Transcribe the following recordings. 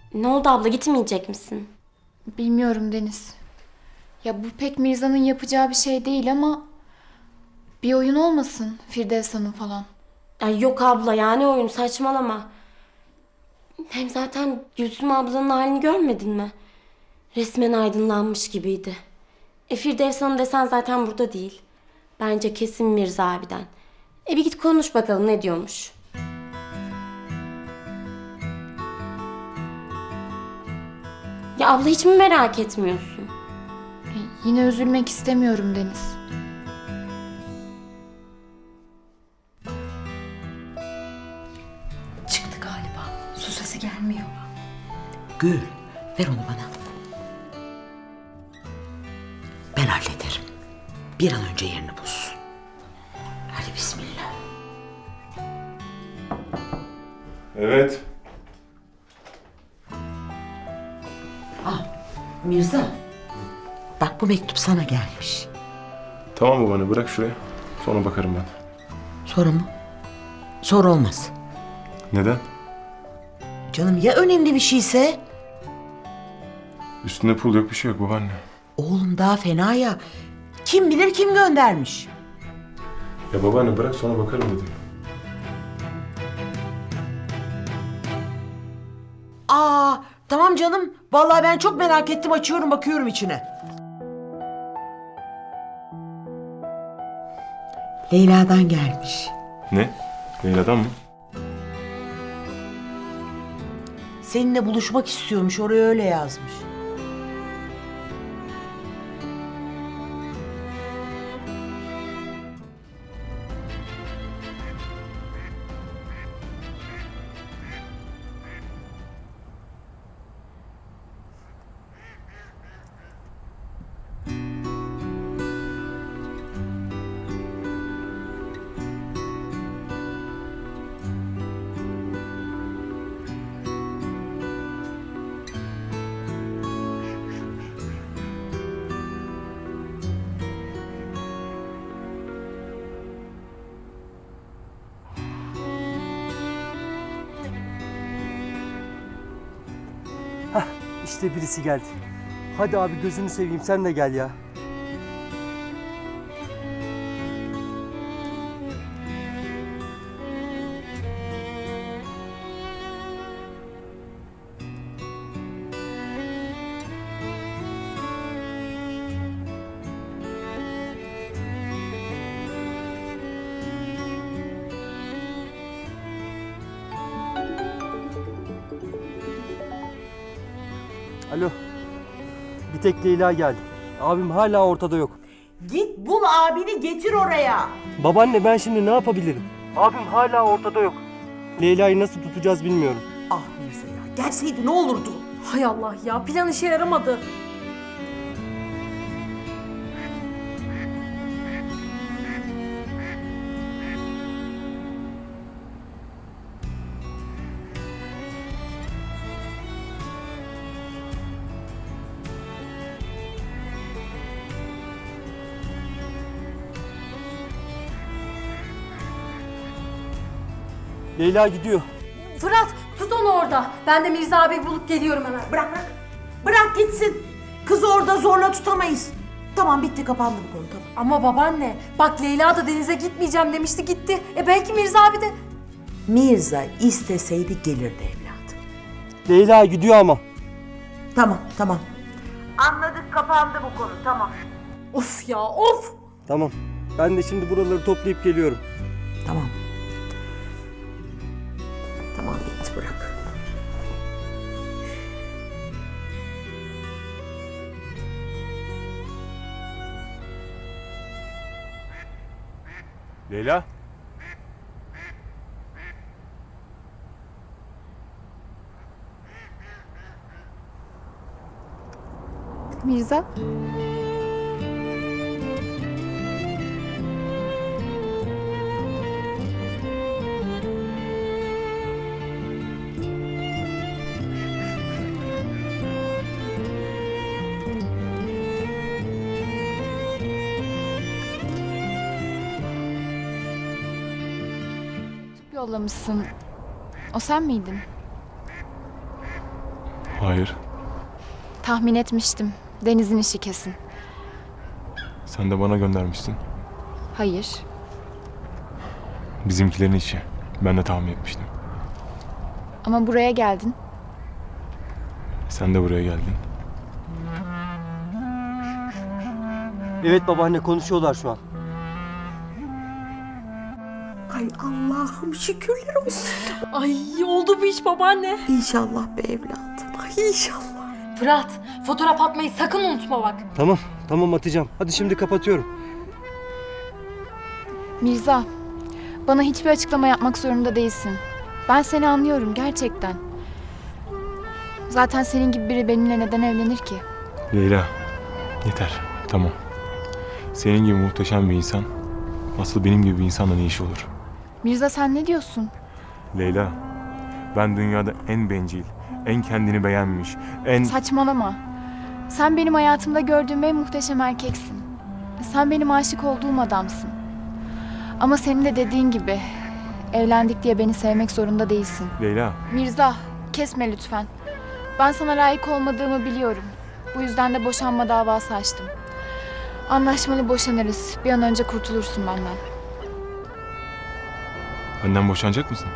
Ne oldu abla, gitmeyecek misin? Bilmiyorum Deniz. Ya bu pek Mirza'nın yapacağı bir şey değil ama bir oyun olmasın Firdevs Hanım falan. Ay yok abla, yani oyun, saçmalama. Hem zaten Gülsüm ablanın halini görmedin mi? Resmen aydınlanmış gibiydi. Firdevs Hanım desen zaten burada değil. Bence kesin Mirza abiden. Bir git konuş bakalım ne diyormuş. Ya abla, hiç mi merak etmiyorsun? Yine üzülmek istemiyorum Deniz. Çıktı galiba. Su sesi gelmiyor. Gül, ver onu bana. Ben hallederim. Bir an önce yerini bulsun. Hadi bismillah. Evet. Mirza, bak bu mektup sana gelmiş. Tamam babaanne, bırak şuraya. Sonra bakarım ben. Sonra mı? Sonra olmaz. Neden? Canım ya önemli bir şeyse? Üstünde pul yok, bir şey yok babaanne. Oğlum daha fena ya. Kim bilir kim göndermiş. Ya babaanne bırak, sonra bakarım dedim. Tamam canım. Vallahi ben çok merak ettim. Açıyorum, bakıyorum içine. Leyla'dan gelmiş. Ne? Leyla'dan mı? Seninle buluşmak istiyormuş. Oraya öyle yazmış. İşte birisi geldi. Hadi abi gözünü seveyim sen de gel ya. Alo. Bir tek Leyla geldi. Abim hala ortada yok. Git bul abini, getir oraya. Babaanne ben şimdi ne yapabilirim? Abim hala ortada yok. Leyla'yı nasıl tutacağız bilmiyorum. Ah Mirza ya, gelseydi ne olurdu? Hay Allah ya, plan işe yaramadı. Leyla gidiyor. Fırat, tut onu orada. Ben de Mirza abi bulup geliyorum hemen. Bırak. Bırak gitsin. Kızı orada zorla tutamayız. Tamam, bitti, kapandı bu konu, tamam. Ama babaanne, bak Leyla da denize gitmeyeceğim demişti, gitti. Belki Mirza abi de... Mirza isteseydi gelirdi evladım. Leyla gidiyor ama. Tamam. Anladık, kapandı bu konu, tamam. Of ya, of! Tamam. Ben de şimdi buraları toplayıp geliyorum. Tamam, bitti, bırak. Leyla? Mirza? Yollamışsın. O sen miydin? Hayır. Tahmin etmiştim. Deniz'in işi kesin. Sen de bana göndermiştin. Hayır. Bizimkilerin işi. Ben de tahmin etmiştim. Ama buraya geldin. Sen de buraya geldin. Evet babaanne, konuşuyorlar şu an. Ay Allah'ım şükürler olsun. Ay oldu bu iş babaanne. İnşallah be evladım. Ay inşallah. Fırat, fotoğraf atmayı sakın unutma bak. Tamam atacağım. Hadi şimdi kapatıyorum. Mirza, bana hiçbir açıklama yapmak zorunda değilsin. Ben seni anlıyorum gerçekten. Zaten senin gibi biri benimle neden evlenir ki? Leyla, yeter. Tamam. Senin gibi muhteşem bir insan, asıl benim gibi bir insanla ne işi olur? Mirza sen ne diyorsun? Leyla, ben dünyada en bencil, en kendini beğenmiş, en... Saçmalama. Sen benim hayatımda gördüğüm en muhteşem erkeksin. Sen benim aşık olduğum adamsın. Ama senin de dediğin gibi evlendik diye beni sevmek zorunda değilsin. Leyla, Mirza, kesme lütfen. Ben sana layık olmadığımı biliyorum. Bu yüzden de boşanma davası açtım. Anlaşmalı boşanırız. Bir an önce kurtulursun benden. benden boşanacak mısın?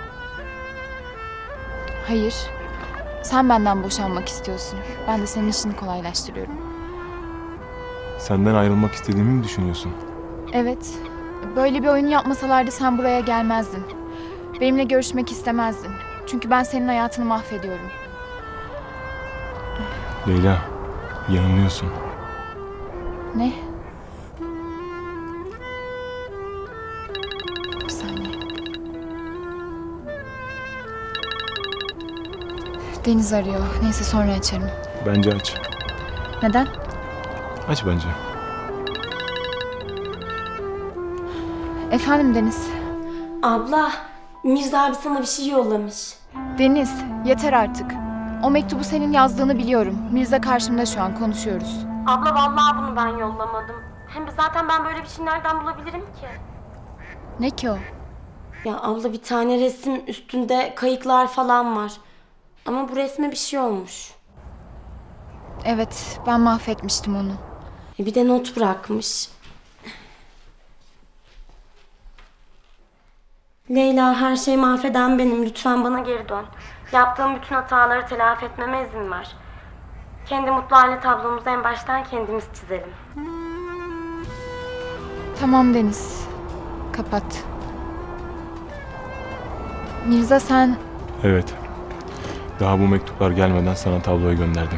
Hayır. Sen benden boşanmak istiyorsun. Ben de senin işini kolaylaştırıyorum. Senden ayrılmak istediğimi mi düşünüyorsun? Evet. Böyle bir oyun yapmasalardı sen buraya gelmezdin. Benimle görüşmek istemezdin. Çünkü ben senin hayatını mahvediyorum. Leyla, yanılıyorsun. Ne? Bir saniye. Deniz arıyor. Neyse sonra açarım. Bence aç. Neden? Aç bence. Efendim Deniz. Abla, Mirza abi sana bir şey yollamış. Deniz, yeter artık. O mektubu senin yazdığını biliyorum. Mirza karşımda şu an konuşuyoruz. Abla vallahi bunu ben yollamadım. Hem zaten ben böyle bir şey nereden bulabilirim ki? Ne ki o? Ya abla bir tane resim üstünde kayıklar falan var. Ama bu resme bir şey olmuş. Evet, ben mahvetmiştim onu. Bir de not bırakmış. Leyla, her şeyi mahveden benim. Lütfen bana geri dön. Yaptığım bütün hataları telafi etmeme izin ver. Kendi mutlu aile tablomuzu en baştan kendimiz çizelim. Tamam Deniz. Kapat. Mirza sen... Evet. Daha bu mektuplar gelmeden sana tabloyu gönderdim.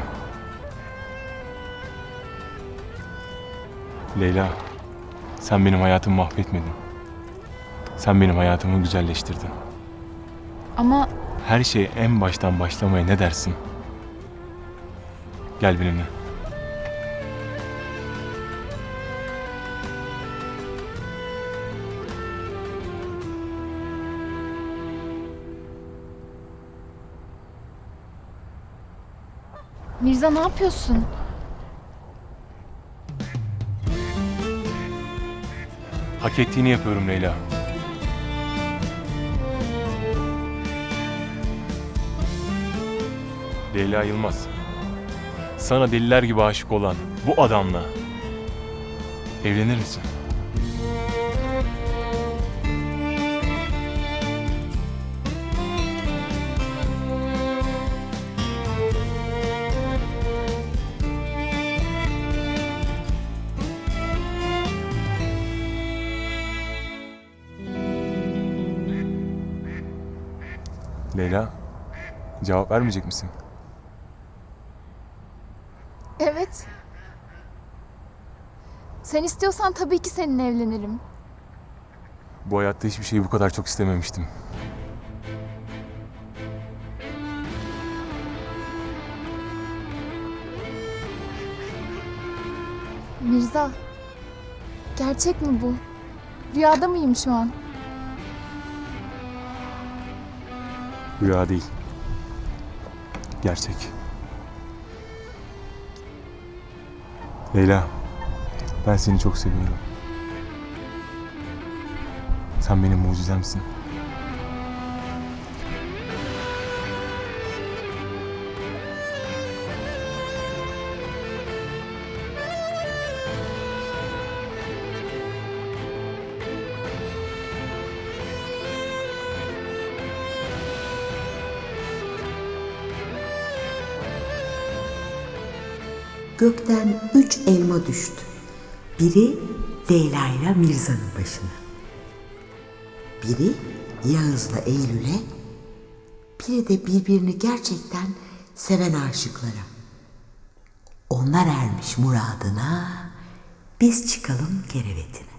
Leyla, sen benim hayatımı mahvetmedin. Sen benim hayatımı güzelleştirdin. Ama Her şeye en baştan başlamaya ne dersin? Gel benimle. Mirza ne yapıyorsun? Hak ettiğini yapıyorum Leyla. Leyla Yılmaz. Sana deliler gibi aşık olan bu adamla evlenir misin? Leyla, cevap vermeyecek misin? Evet. Sen istiyorsan tabii ki seninle evlenirim. Bu hayatta hiçbir şeyi bu kadar çok istememiştim. Mirza, gerçek mi bu? Rüyada mıyım şu an? Rüya değil. Gerçek. Leyla, ben seni çok seviyorum. Sen benim mucizemsin. gökten 3 elma düştü. Biri Leyla ile Mirza'nın başına. Biri Yağız'la Eylül'e, biri de birbirini gerçekten seven aşıklara. Onlar ermiş muradına, biz çıkalım kerevetine.